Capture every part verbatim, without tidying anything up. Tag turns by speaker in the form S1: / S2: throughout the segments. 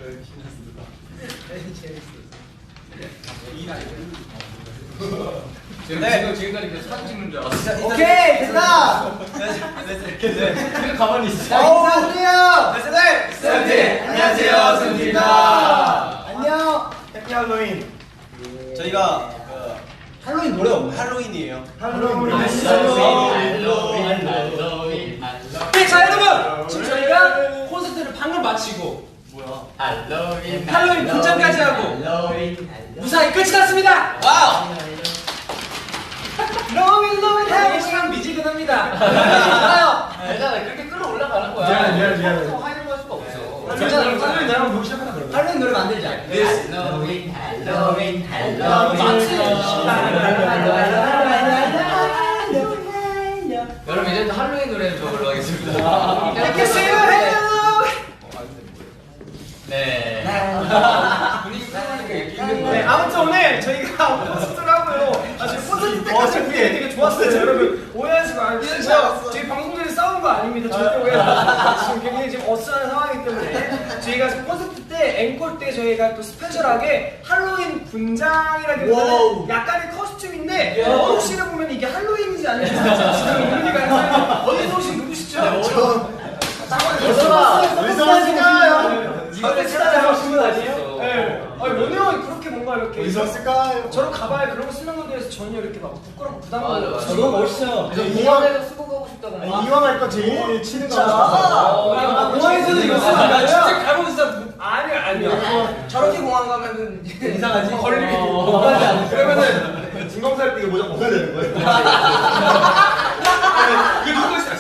S1: 네. 지금까지 계속 사진 찍는 줄 알았어.
S2: 오케이 됐다.
S1: 네. 가만히 있어.
S2: 인사드려요.
S1: 네. 세븐틴. 안녕하세요. 세븐틴입니다.
S2: 안녕. 해피 할로윈.
S3: 저희가 그
S2: 할로윈 노래 없나요?
S3: 할로윈이에요.
S2: 할로윈.
S1: 할로윈. 할로윈.
S4: 네, 자 여러분 지금 저희가 콘서트를 방금 마치고
S1: 뭐야? 할로윈.
S4: 할로윈 분장까지 하고
S1: 할로윈.
S4: 무사히 끝이 났습니다.
S1: 와우.
S4: 로윈 로윈 하고 시간 미지근합니다. 좋아요.
S1: 괜찮아. 그렇게 끌어올라가는 거야.
S2: 미안해, 미안해, 미안해.
S1: 하이로 할 수가 없어.
S4: 괜찮아.
S2: 할로윈 노래 한번 보기 시작하나 그러면? 할로윈 노래 만들자.
S1: 할로윈. 할로윈. 여러분 이제 또 할로윈 노래 저걸로 하겠습니다.
S4: 이렇게 세요 헬로.
S1: 네. 분위기 풀어보니까 이렇게 힘든
S4: 네,
S1: 거예요.
S4: 아무튼 오늘 저희가 콘서트를 하고요. 아, 지금 콘서트 때까지 분위기 되게 좋았어요, 여러분. 오해하지 말고. 진짜 저희 방송 전에 싸운 거 아닙니다. 절대 오해하지 마세요. 지금 굉장히 지금 어수선한 상황이기 때문에 저희가 지금 콘서트 때 앵콜 때 저희가 또 스페셜하게 할로윈 분장이라기보다는 약간의 커스튬인데 혹시나 보면 이게 할로윈이지 않을지 지금 의미가 있어요. 어디서 오신 누구시죠?
S2: 의성하실까요?
S4: 이거 진짜 하신 분 아니에요? 네. 아니 원우 형이 그렇게 뭔가 이렇게
S2: 의성하실까요?
S4: 저런 가발 그런 거 쓰는 거에 대해서 전혀 이렇게 막 부끄럽고 부담
S1: 맞아,
S4: 가고
S1: 맞아.
S2: 저도 멋있어요.
S1: 그래서 공항에서 쓰고 가고 싶다고 막.
S2: 이왕 할 거 제일 치는 거.
S4: 아, 공항에서도 이거 쓰면 안 돼요?
S1: 진짜
S4: 가보고 있어. 아니요 아니요. 저렇게 공항 가면은
S2: 이상하지?
S4: 걸리게.
S2: 그러면은 진검살 때 이거 모자 벗어야 되는 거예요?
S4: 이거 누구 있어?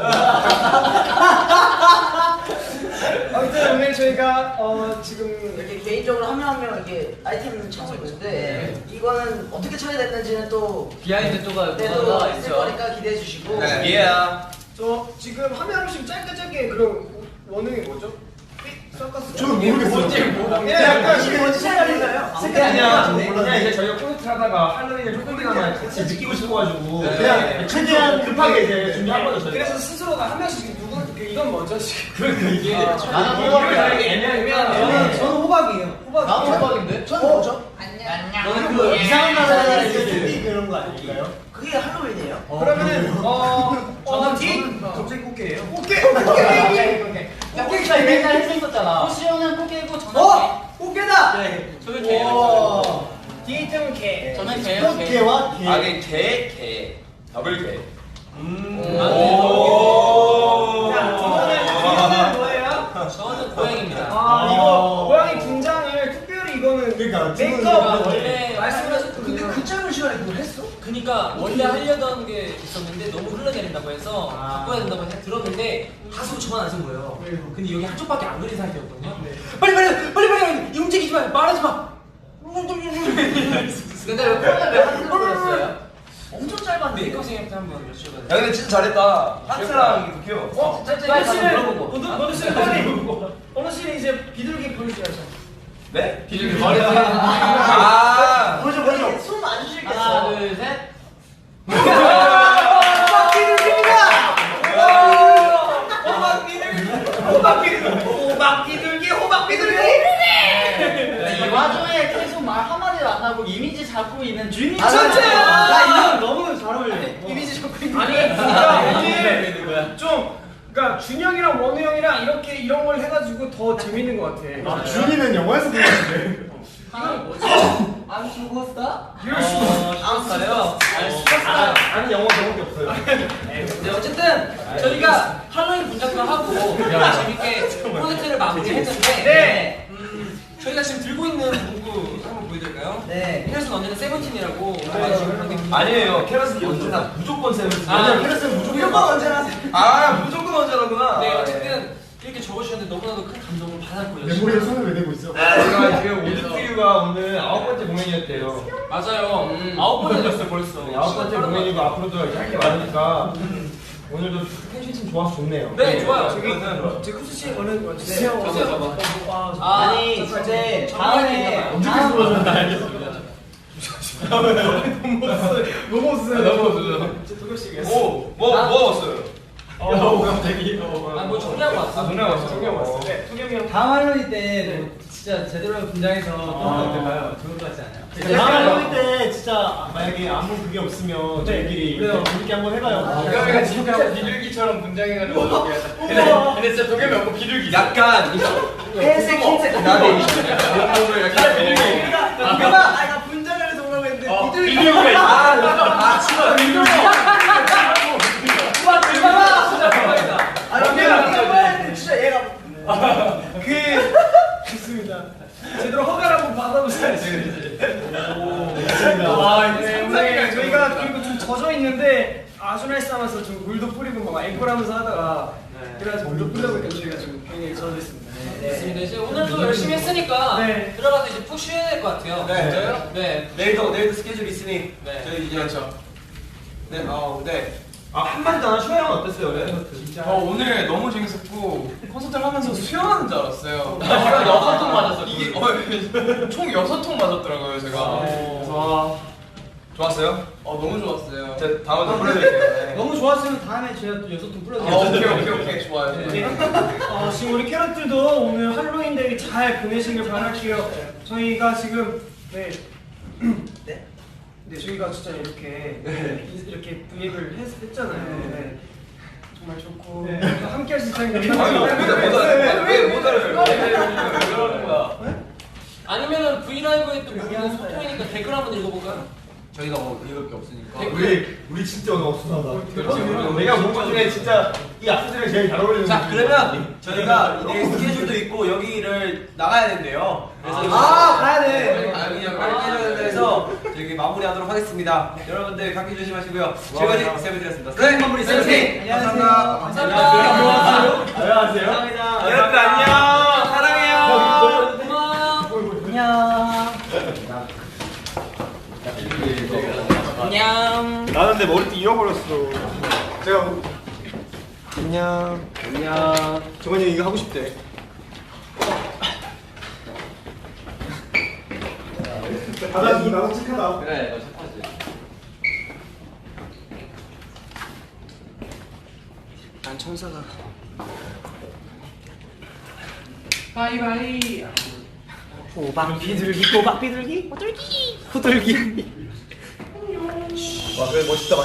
S4: 아무튼 오늘 저희가 어 지금
S5: 이렇게 개인적으로 한 명 한 명 이렇게 아이템을 찾고 있는데 이거는 어떻게 찾게 됐는지는 또
S1: 비하인드 또가
S5: 때도
S1: 또가
S5: 있을
S1: 있죠.
S5: 거니까 기대해 주시고
S1: 예.
S4: 저 지금 한 명 한 명씩 짧게 짧게 그럼 원흥이 뭐죠? 서커스.
S2: 저는 모르겠어요.
S4: 예, 약간
S2: 이게 뭔지 색깔인가요?
S4: 색깔이
S2: 아니야.
S4: 그냥 이제 저희가 콘서트 하다가 할로윈을 조금이나마 같이 느끼고 싶어가지고
S2: 그냥 최대한 급하게 이제 준비한 거죠. 저희가.
S4: 그래서 스스로가 한 명씩 누구 그 이건 뭐죠 지금?
S2: 그러니까 이게
S1: 나는
S4: 이거를
S1: 호박이야.
S4: 되게 애매하면
S2: 저는 저는 호박이에요. 호박.
S1: 나도 호박인데?
S5: 저는 뭐죠?
S2: 너는 그 이상한 나라에 이제 샌디 그런 거 아닐까요?
S5: 그게 할로윈이에요?
S4: 그러면은 어
S5: 저는
S4: 뒤
S2: 갑자기 꽃게예요?
S4: 꽃게 꽃게
S1: 꽃게가 맨날 했었잖아.
S6: 호시오는 꽃게고 저는
S2: 어? 꽃게다.
S6: 저는 개예요.
S2: 오.
S4: 뒤에 있으면 개.
S6: 개. 저는 개예요. 개.
S2: 꽃게와 게.
S3: 아니 개, 개, 더블 개.
S2: 음.
S4: 자, 이거는 뒤에는 뭐예요?
S6: 저는 고양이입니다.
S4: 아 이거 고양이 분장을 특별히 이거는
S2: 그러니까
S4: 메이크업
S6: 원래
S4: 말씀하셨던
S5: 근데 그 짧은 시간에 그걸 했어?
S6: 그러니까 원래 하려던 게 있었는데 너무 흘러내린다고 해서 바꿔야 된다고 해서 들었는데 다소 저만 안 쓴 거예요. 근데 여기 한쪽밖에 안 그린 상태였거든요. 빨리 빨리 빨리 빨리 움직이지 마, 말하지 마.
S1: 근데 왜 코로나 왜 하트 그렸어요?
S5: 엄청 짧았는데
S6: 메이크업 선생님한테 한번 여쭤봐요.
S3: 야 근데 진짜 잘했다. 하트랑 이게 더 귀여워.
S4: 어?
S6: 빨리 가서
S4: 씨는
S6: 물어보고.
S4: 어느 어느 씨는 빨리 어느 씨는 이제 비둘기 보여줘야죠.
S3: 네?
S1: 비둘기 머리 보이는
S3: 아.
S2: 보죠 보죠.
S5: 숨안
S6: 하나,
S5: 쉬시겠어요?
S6: 둘, 셋.
S4: 호박 비둘기입니다. 호박 비둘기, 호박 비둘기, 호박 비둘기, 호박 비둘기.
S6: 이 와중에 계속 말 한마디도 안 하고 이미지 잡고 있는 준이.
S4: 진짜.
S2: 나 이거 너무 잘 어울려.
S4: 이미지 잡고 있는. 아니, 그러니까 이게 좀. 그러니까 준영이랑 원우 형이랑 이렇게 이런 걸 해가지고 더 재밌는 것 같아.
S2: 아, 준이는 영화에서 보는데.
S6: 이건 뭐지?
S5: 안 죽었다?
S4: 이럴 수가.
S6: 안 써요.
S2: 아, 아니 영화 저밖에 없어요.
S6: 네, 어쨌든 저희가 할로윈 분장도 하고 재밌게 프로젝트를 마무리했는데
S4: 네.
S6: 음, 저희가 지금 들고 있는 문구 한번 보여드릴까요?
S5: 네.
S6: 캐럿은 언제나 세븐틴이라고 지금 그렇게
S3: 아니에요. 캐럿은 언제나 무조건 세븐틴.
S6: 아,
S2: 왜냐면 캐럿은 무조건
S5: 무조건 언제나
S3: 아 무조건 언제나구나.
S6: 네, 어쨌든 이렇게 적어주셨는데 너무나도 큰 감동을 받았고요.
S2: 메모리에 손을 왜 대고 있어?
S3: 저희가 지금 오디티유가 오늘 아홉 번째 공연이었대요.
S6: 맞아요. 음, 아홉 번을 졌어요 벌써.
S3: 네, 아홉 번째 공연이고 앞으로도 이렇게 할 게 많으니까 오늘도 텐션이 참 좋아서 좋네요.
S6: 네, 좋아요.
S4: 저기 제 쿠스 씨 얼른 와주세요.
S6: 주세요, 봐봐.
S4: 아,
S5: 아니 근데
S6: 다음에
S5: 다음에
S2: 언제 들어오셨나 알겠어.
S4: 너무 없어요.
S3: 너무 없어요.
S4: 제 도겸 씨.
S3: 오, 뭐, 뭐 먹었어요? 어 갑자기.
S6: 아뭐 정리하고 왔어.
S4: 누나가 왔어. 동경 왔어. 네, 동경이 형.
S2: 다음 할로윈 때 진짜 제대로 분장해서 또 어떨까요? 좋을 것 같지 않아요?
S4: 다음
S2: 할로윈 때 진짜 만약에 아무 그게 없으면 저희끼리
S4: 그래요.
S2: 재밌게 한번 해봐요.
S1: 도겸이가 진짜 비둘기처럼 분장해가지고 어떻게 근데, 근데 진짜 도겸이 없고 비둘기 약간
S5: 회색 흰색
S1: 나도 몸을 이렇게 비둘기
S5: 도겸아 아나 분장을 해서 오라고 했는데
S1: 어,
S5: 비둘기
S1: 비둘기가 있어 아 진짜 비둘기
S6: 우와 대박아. 진짜 대박이다.
S5: 아 도겸아 했는데 진짜 얘가
S4: 그 좋습니다. 제대로 허가를 한번 받아보세요. 아, 네, 오늘 저희가 그리고 좀 젖어 있는데 아주 날싸면서 좀 물도 뿌리고 막 앵콜하면서 하다가 그래가지고 물도 뿌리다 보니까 저희가 좀 굉장히 젖어 있습니다.
S6: 좋습니다. 이제 오늘도 열심히 했으니까
S4: 네.
S6: 들어가서 이제 푹 쉬어야 될 것 같아요.
S1: 네. 진짜요?
S6: 네.
S1: 내일도 내일도 스케줄 있으니
S6: 네.
S1: 저희 이제 그렇죠 네, 어, 네.
S3: 아 한마디도 안 하고 수영 어땠어요? 네?
S4: 진짜.
S1: 어, 오늘 너무 재밌었고 콘서트를 하면서 수영하는 줄 알았어요. 제가 여섯 통 맞았어요. 이게 어, 총 여섯 통 맞았더라고요, 제가. 그래서 좋았어요? 어, 너무 좋았어요. 제가 다음에 또 불러드릴게요.
S2: 너무 좋았으면 다음에 제가 또 여섯 통
S1: 아,
S2: 불러드릴게요.
S1: 오케이, 오케이, 오케이, 좋아요.
S4: 네. 어, 지금 우리 캐럿들도 오늘 할로윈 데이 잘 보내시길 바랄게요. 저희가 지금 네.
S5: 네?
S4: 네, 저희가 진짜 이렇게 이렇게 브이앱을 했, 했잖아요. 네. 정말 좋고 함께 할 수 있다는 게
S1: 아니, 못 알아요. 왜못 알아요? 왜 그러는 거야?
S6: 아니면은 V 라이브에 또 무슨 소통이니까 댓글 한번 읽어볼까요?
S1: 저희가 뭐 읽을 게 없으니까.
S3: 우리 우리 진짜 오늘 없어.
S1: 그렇지.
S3: 내가 본 것 중에 진짜 이 악수들이 제일 잘 어울리는.
S7: 자 그러면 저희가 내일 스케줄도 있고 여기를 나가야 된대요. 그래서
S5: 아 가야 돼.
S7: 아, 그냥 빨리 해야 돼서 저기 마무리하도록 하겠습니다. 여러분들 감기 조심하시고요. 지금까지 세븐이었습니다. 네 마무리 세븐.
S5: 감사합니다.
S6: 감사합니다.
S3: 안녕하세요.
S7: 여러분들 안녕. 사랑해요.
S6: 고마워.
S5: 안녕.
S6: 안녕.
S3: 나는 내 머리띠 잃어버렸어. 제가 뭐-
S7: 안녕.
S3: 안녕. 정원이 형 이거 하고 싶대. 다다 이 나도 착하다.
S1: 그래, 너 착하지.
S5: 난 천사가.
S1: 바이바이.
S5: 호박 비둘기 호박 비둘기 호들기 호들기.
S3: 와 그래 멋있다.